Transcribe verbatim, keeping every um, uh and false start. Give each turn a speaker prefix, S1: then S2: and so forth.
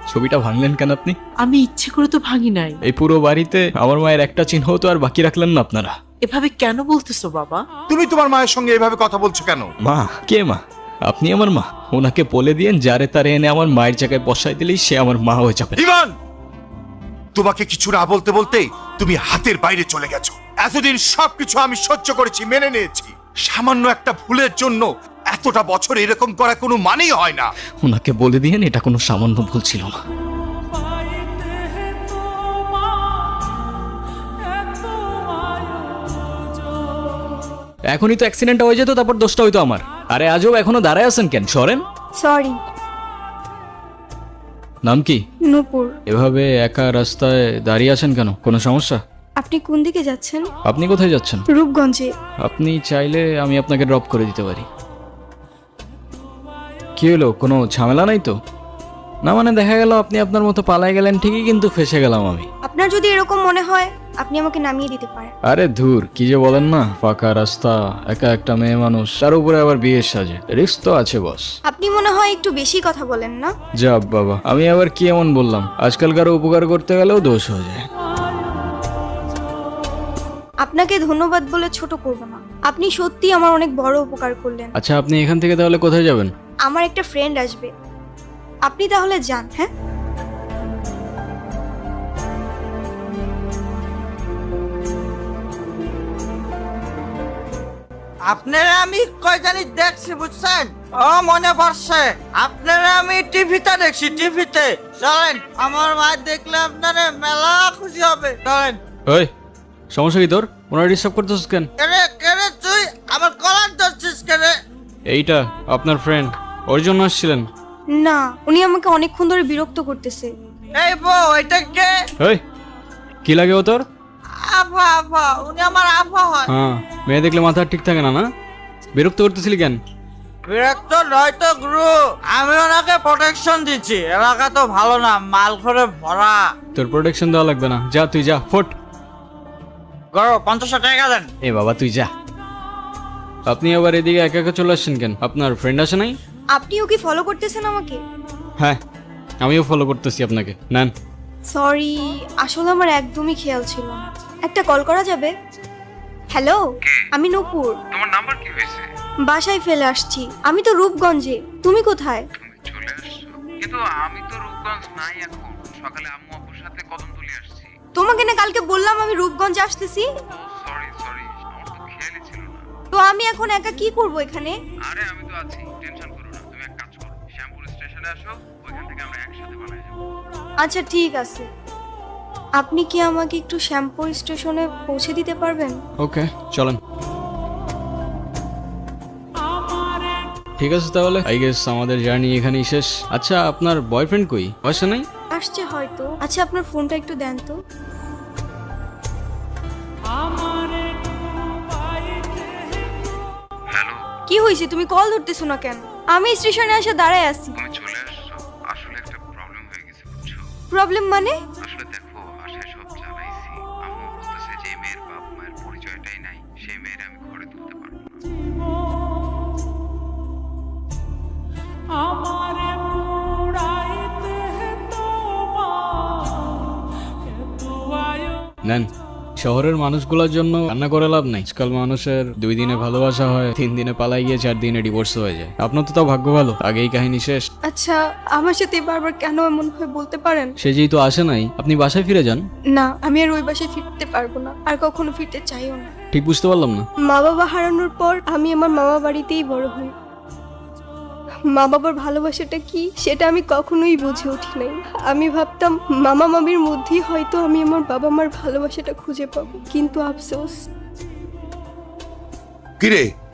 S1: ছবিটা ভাঙলেন কেন আপনি?
S2: আমি ইচ্ছে করে তো ভাঙি নাই।
S1: এই পুরো বাড়িতে আমার মায়ের একটা চিহ্ন তো আর বাকি রাখলেন না আপনারা।
S2: এভাবে কেন বলতেছো বাবা?
S3: তুমি তোমার মায়ের সঙ্গে এভাবে কথা বলছো কেন?
S1: মা? কে মা? আপনি আমার মা। ওনাকে বলে দিয়েন যারে তারে এনে আমার মায়ের জায়গায় বসাই দিলেই সে আমার মা হয়ে যাবে।
S3: ইভান, তোমাকে কিছু না বলতে বলতে তুমি হাতের বাইরে চলে গেছো। এতদিন সবকিছু আমি সহ্য করেছি, মেনে নিয়েছি। সামান্য একটা ভুলের জন্য এতটা বছর এরকম করা কোনো মানেই হয় না।
S1: ওনাকে বলে দিয়েন এটা কোনো সামান্য ভুল ছিল না। এখনই তো অ্যাক্সিডেন্ট হয়ে যেত, তারপর দোষটা হইতো আমার। আরে আজও এখনো দাঁড়ায় আছেন কেন? সরেন।
S4: সরি।
S1: নাম কি?
S4: নূপুর।
S1: এভাবে একা রাস্তায় দাঁড়িয়ে আছেন কেন? কোনো সমস্যা?
S4: আপনি কোন দিকে যাচ্ছেন?
S1: আপনি কোথায় যাচ্ছেন?
S4: রূপগঞ্জে।
S1: আপনি চাইলে আমি আপনাকে ড্রপ করে দিতে পারি। কি হলো, কোনো ঝামেলা নাই তো? না মানে দেখা গেল আপনি আপনার মতো পালাই গেলেন ঠিকই, কিন্তু ফেসে গেলাম আমি।
S4: আপনার যদি এরকম মনে হয় আপনি আমাকে নামিয়ে দিতে পারেন।
S1: আরে ধুর, কি যে বলেন না। ফাঁকা রাস্তা, একা একটা মেয়ে মানুষ, তার উপরে আবার বিয়ের সাজে, রিস্ক তো আছে বস।
S4: আপনি মনে হয় একটু বেশি কথা বলেন না?
S1: যা বাবা, আমি আবার কি এমন বললাম? আজকাল কারো উপকার করতে গেলেও দোষ হয়ে যায়।
S4: আপনাকে ধন্যবাদ বলে ছোট করব না। আপনি সত্যি আমার অনেক বড় উপকার করলেন।
S1: আচ্ছা, আপনি এখান থেকে তাহলে কোথায় যাবেন?
S4: আমার একটা ফ্রেন্ড আসবে, আপনি তাহলে যান। হ্যাঁ,
S5: আপনারা আমি কয় জানি দেখছি, বুঝছেন? ও মনে পড়ছে, আপনারা আমি টিভিতে দেখছি, টিভিতে। চলেন, আমার মা দেখলে আপনারা মেলা খুশি হবে। চলেন।
S1: ওই, সমস্যা কি তোর? ওনারা ডিস্টার্ব করতেছিস কেন?
S5: কেরে কেরে তুই আমার কলার ধরছিস কেরে?
S1: এইটা আপনার ফ্রেন্ড, ওর জন্য আসছিলেন?
S4: না, উনি আমাকে অনেকক্ষণ ধরে বিরক্ত করতেছে।
S5: এই বউ, এটা কে?
S1: ওই, কি লাগে ও তোর?
S5: আফা, আফা, উনি আমার আফা হয়।
S1: হ্যাঁ, মেয়ে দেখলে মাথা ঠিক থাকে না না? বিরক্ত করতেছিলি কেন?
S5: বিরক্ত নয় তো গুরু, আমি ওনাকে প্রোটেকশন দিচ্ছি। এলাকা তো ভালো না, মাল করে ভরা।
S1: তোর প্রোটেকশন দেওয়া লাগবে না, যা তুই যা, ফোট।
S5: গরো পঞ্চাশ টাকা দেন।
S1: এ বাবা তুই যা। আপনি আবার এদিকে একা একা চলে আসছেন কেন? আপনার ফ্রেন্ড আসে নাই?
S4: আপনিও কি ফলো করতেছেন আমাকে?
S1: হ্যাঁ, আমিও ফলো করতেছি আপনাকে। নেন।
S4: সরি, আসলে আমার একদমই খেয়াল ছিল না। একটা কল করা যাবে? হ্যালো, আমি নূপুর।
S6: তোমার নাম্বার কি হয়েছে?
S4: বাসায় ফেলে আসছি। আমি তো রূপগঞ্জে, তুমি কোথায়?
S6: তুমি চলে আসছো, কিন্তু আমি তো রূপগঞ্জ নাই এখন। সকালে আম্মু আপুর সাথে কদমতলী আসছি।
S4: তোমাকে না কালকে বললাম আমি রূপগঞ্জে আসতেছি।
S6: সরি সরি, আমার তো খেয়ালই ছিল না।
S4: তো আমি এখন একা কি করব এখানে?
S6: আরে আমি তো আছি, টেনশন করো না। তুমি এক কাজ করো, শ্যামপুর স্টেশনে আসো, ওইখান থেকে আমরা একসাথে পালাই যাবো।
S4: আচ্ছা ঠিক আছে, আপনি কি আমাকে একটু শ্যামপুর স্টেশনে পৌঁছে দিতে পারবেন?
S1: ওকে, চলেন। ঠিক আছে তাহলে, আই গেস আমাদের জার্নি এখানেই শেষ। আচ্ছা, আপনার বয়ফ্রেন্ড কই? আসে নাই?
S4: আসছে হয়তো। আচ্ছা, আপনার ফোনটা একটু দেন তো।
S6: হ্যালো,
S4: কি হয়েছে, তুমি কল ধরতেছো না কেন? আমি স্টেশনে এসে দাঁড়ায় আছি।
S6: তুমি চলে আসছো। আসলে একটা প্রবলেম হয়ে গেছে, বুঝছো?
S4: প্রবলেম মানে?
S6: আসলে দেখো, বাসায় সব জানাইছি। আম্মু বলতেছে যে মেয়ের বাপ মায়ের পরিচয়টাই নাই, সেই মেয়ের আমি ঘরে তুলতে পারবো না।
S1: নেন। শহরের মানুষগুলোর জন্য রান্না করে লাভ নাই। আজকাল মানুষের দুই দিনে ভালোবাসা হয়, তিন দিনে পালাই গিয়ে চার দিনে ডিভোর্স হয়ে যায়। আপনার তো তাও ভাগ্য ভালো, আগেই কাহিনী শেষ।
S4: আচ্ছা, আমার সাথে বারবার কেন এমন হয় বলতে পারেন?
S1: সে যেহেতু আসে নাই, আপনি বাসায় ফিরে যান।
S4: না, আমি আর ওই বাসায় ফিরতে পারবো না, আর কখনো ফিরতে চাইও না।
S1: ঠিক বুঝতে পারলাম না।
S4: মা বাবা হারানোর পর আমি আমার মামা বাড়িতেই বড় হই। মা বাবার ভালোবাসাটা কি সেটা আমি কখনোই বুঝে উঠি নাই। আমি ভাবতাম মামা মামির মধ্যেই হয়তো আমি আমার বাবা মার ভালোবাসাটা খুঁজে পাবো, কিন্তু আফসোস।
S3: কিরে,